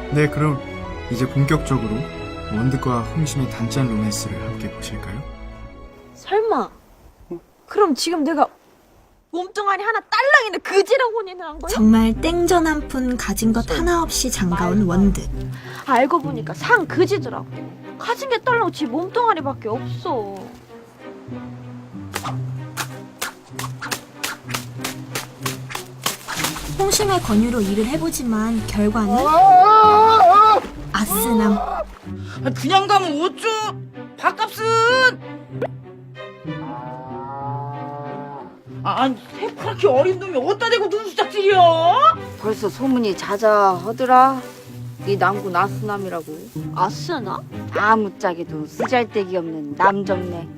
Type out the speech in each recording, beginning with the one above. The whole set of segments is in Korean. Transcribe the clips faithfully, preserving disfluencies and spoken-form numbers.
네, 그럼 이제 본격적으로 원드과 홍심의 단짠 로맨스를 함께 보실까요? 설마 그럼 지금 내가 몸뚱아리 하나 딸랑이는 그지랑 혼인을 한 거야? 정말 땡전 한 푼 가진 것 하나 없이 장가온 원드. 알고 보니까 상 그지더라고. 가진 게 딸랑 지 몸뚱아리밖에 없어. 홍심의 권유로 일을 해보지만 결과는 아스남. 그냥 가면 어쩌? 밥값은? 아, 아니 새파랗게 어린 놈이 어디다 대고 눈수작질이야? 벌써 소문이 자자하더라. 이 남구 나스남이라고. 아스나? 아무짝에도 쓰잘데기 없는 남정네.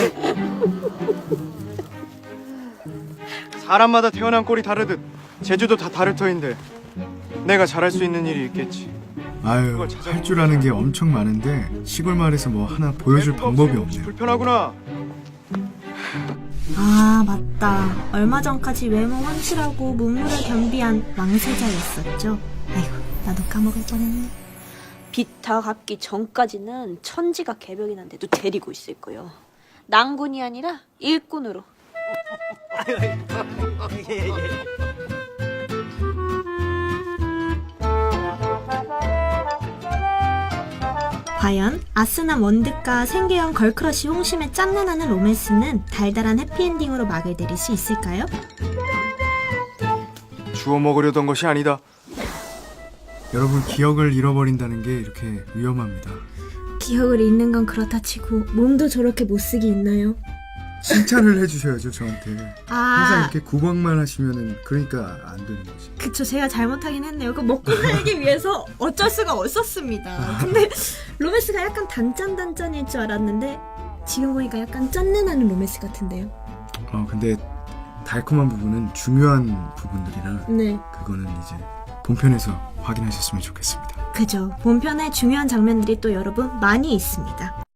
사람마다 태어난 꼴이 다르듯 제주도 다 다를 터인데 내가 잘할 수 있는 일이 있겠지. 아유, 할 줄 아는 게 엄청 많은데 시골 마을에서 뭐 하나 보여줄 방법이 없네요. 불편하구나. 아 맞다. 얼마 전까지 외모 확실하고 문물을 겸비한 왕세자였었죠. 아이고 나도 까먹을 뻔했네. 비타 갚기 전까지는 천지가 개벽이 난데도 데리고 있을 거요. 낭군이 아니라 일꾼으로. 과연 아스남 원드과 생계형 걸크러쉬 홍심의 짠내나는 로맨스는 달달한 해피엔딩으로 막을 내릴 수 있을까요? 주워 먹으려던 것이 아니다. 여러분, 기억을 잃어버린다는 게 이렇게 위험합니다. 기억을 잃는 건 그렇다 치고 몸도 저렇게 못쓰기 있나요? 칭찬을 해주셔야죠, 저한테. 항상 아 이렇게 구박만 하시면은 그러니까 안 되는 거지. 그쵸, 제가 잘못하긴 했네요. 그 먹고 살기 위해서 어쩔 수가 없었습니다. 근데 로맨스가 약간 단짠단짠일 줄 알았는데 지금 보니까 약간 짠내나는 로맨스 같은데요. 어, 근데 달콤한 부분은 중요한 부분들이라 네, 그거는 이제 본편에서 확인하셨으면 좋겠습니다. 그죠. 본편에 중요한 장면들이 또 여러분 많이 있습니다.